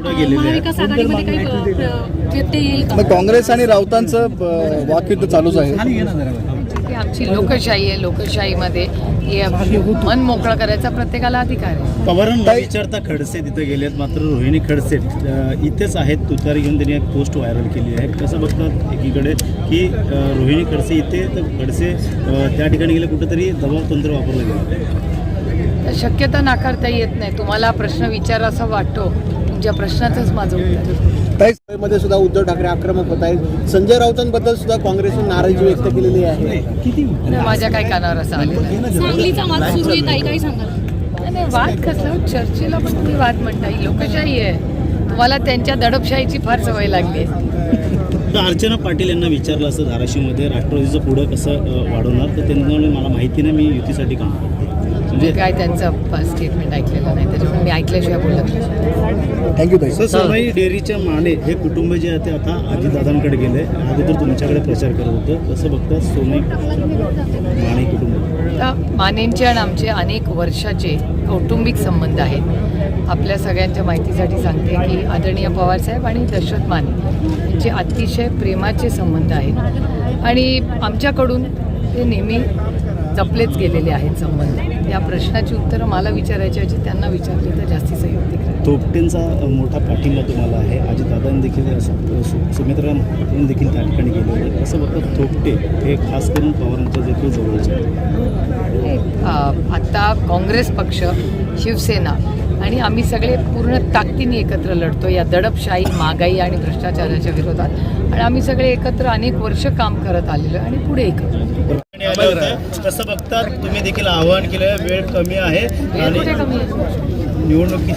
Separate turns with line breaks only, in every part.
पुढे गेलेले आहेत.
महाविकास आघाडीमध्ये काही व्यत्यय येईल का?
मग काँग्रेस आणि राऊतांचं वाकयुद्ध चालूच आहे.
ही आमची लोकशाही आहे. लोकशाहीमध्ये मन मोकळं करायचा प्रत्येकाला अधिकार आहे.
पवारांना विचारता खडसे तिथे गेलेत, मात्र रोहिणी खडसे इथेच आहेत. तुतारी घेऊन त्यांनी एक पोस्ट व्हायरल केली आहे. कसं बघतात एकीकडे की रोहिणी खडसे इथे, तर खडसे त्या ठिकाणी गेले, कुठेतरी दबाव तंत्र वापरलं गेलं.
शक्यता नाकारता येत नाही. तुम्हाला प्रश्न विचारासा वाटतो, तुमच्या प्रश्नातच माझं उत्तर.
मध्ये सुद्धा उद्धव ठाकरे आक्रमक होत आहेत. संजय राऊतांबद्दल सुद्धा काँग्रेसने नाराजी व्यक्त केलेली आहे.
माझ्या काही कानावर असं आलेलं नाही.
सांगलीचा वाद सुरू आहे, ताई काही सांगाल?
नाही, वाद कसला? चर्चेला पण तुम्ही वाद म्हणता. ही लोकशाही आहे. तुम्हाला त्यांच्या दडपशाहीची फार सवय लागली आहे.
तर अर्चना पाटील यांना विचारलं असं धाराशिवमध्ये राष्ट्रवादीचं पुढं कसं वाढवणार, तर त्यांना मला माहिती नाही, मी युतीसाठी काम करते.
म्हणजे काय त्यांचं स्टेटमेंट ऐकलेलं नाही, त्याच्यामुळे मी ऐकल्याशिवाय बोलत नाही.
थँक्यू ताई.
सर, सोनाई डेअरीच्या माने हे कुटुंब जे आहे ते आता अजितदादांकडे गेले. अगोदर तुमच्याकडे प्रचार करत होतं, कसं बघता सोनाई माने कुटुंब?
मानेंचे आणि आमचे अनेक वर्षाचे कौटुंबिक संबंध आहेत. आपल्या सगळ्यांच्या माहितीसाठी सांगते की आदरणीय पवारसाहेब आणि दशरथ माने यांचे अतिशय प्रेमाचे संबंध आहेत आणि आमच्याकडून ते नेहमी जपलेच गेलेले आहेत संबंध. या प्रश्नाची उत्तरं मला विचारायची ऐवजी त्यांना विचारली तर जास्ती संयुक्त.
थोपटेंचा मोठा पाठिंबा तुम्हाला आहे. अजितदादांनी देखील सुमित्रा देखील त्या ठिकाणी गेले होते. कसं बघतात थोपटे हे खास करून पवारांच्या देखील जवळचे आहेत?
आता काँग्रेस पक्ष, शिवसेना आणि आम्ही सगळे पूर्ण ताकदीने एकत्र लढतो या दडपशाही, महागाई आणि भ्रष्टाचाराच्या विरोधात. आणि आम्ही सगळे एकत्र अनेक वर्ष काम करत आलेलो आणि पुढे एकत्र.
कसं बघतात तुम्ही देखील आवाहन केलं, वेळ कमी आहे आणि निवडणुकी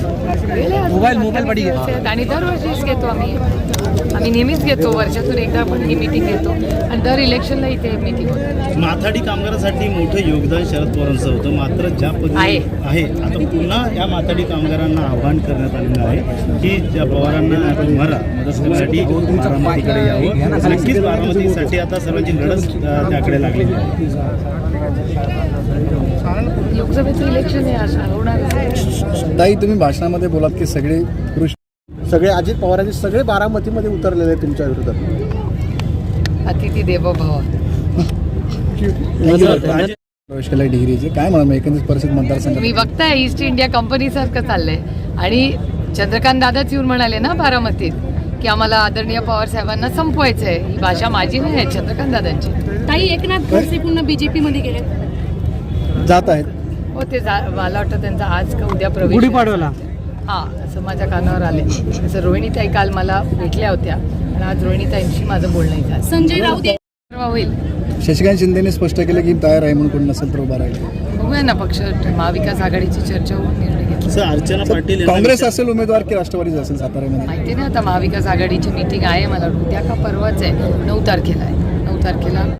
आणि दरवर्षीच घेतो आम्ही नेहमीच घेतो. वर्षातून एकदा पण ही मीटिंग घेतो आणि दर इलेक्शनला इथे मीटिंग होते.
माथाडी कामगारांसाठी मोठं योगदान शरद पवारांचं होतं, मात्र ज्या पद्धतीने आहे आता पुन्हा या माथाडी कामगारांना आवाहन करण्यात आलेलं आहे की ज्या पवारांना मदत करण्यासाठी बारामतीकडे यावं. नक्कीच बारामतीसाठी आता सर्वांची लढत त्याकडे लागलेली आहे.
लोकसभेचं इलेक्शन हे असं होणार.
ताई, तुम्ही भाषणामध्ये बोलात की सगळे अजित पवारांचे सगळे बारामतीमध्ये उतरलेले आहेत तुमच्या विरोधात.
अतिथी देवो भव.
प्रवेश केला डिग्रीचे काय म्हणा एकंदरीत परिस्थिती मतदारसंघात
तुम्ही बघताय ईस्ट इंडिया कंपनीसारखं चाललंय. आणि चंद्रकांत दादाच येऊन म्हणाले ना बारामतीत की आम्हाला आदरणीय पवार साहेबांना संपवायचं आहे. ही भाषा माझी नाही आहे, चंद्रकांत दादांची.
ताई, एकनाथ खडसे पुन्हा बीजेपी मध्ये गेले
जात आहेत.
हो, ते मला वाटतं त्यांचा आज का उद्या प्रवेश
गुढीपाडवाला.
हां, असं माझ्या कानावर आले. तसं रोहिणीताई काल मला भेटल्या होत्या आणि आज रोहिणीताईंशी माझं बोलणं झालं.
संजय राऊत
होईल.
शशिकांत शिंदेने स्पष्ट केलं की तयार आहे म्हणून कोणी नसेल तर उभा राहील.
बघूया ना, पक्ष महाविकास आघाडीची चर्चा होऊन निर्णय घेतला.
अर्चना पाटील
काँग्रेस असेल उमेदवार की राष्ट्रवादी असेल साताऱ्यामध्ये
माहिती नाही. आता महाविकास आघाडीची मीटिंग आहे, मला उद्या का परवाच आहे, 9 तारखेला आहे. 9 तारखेला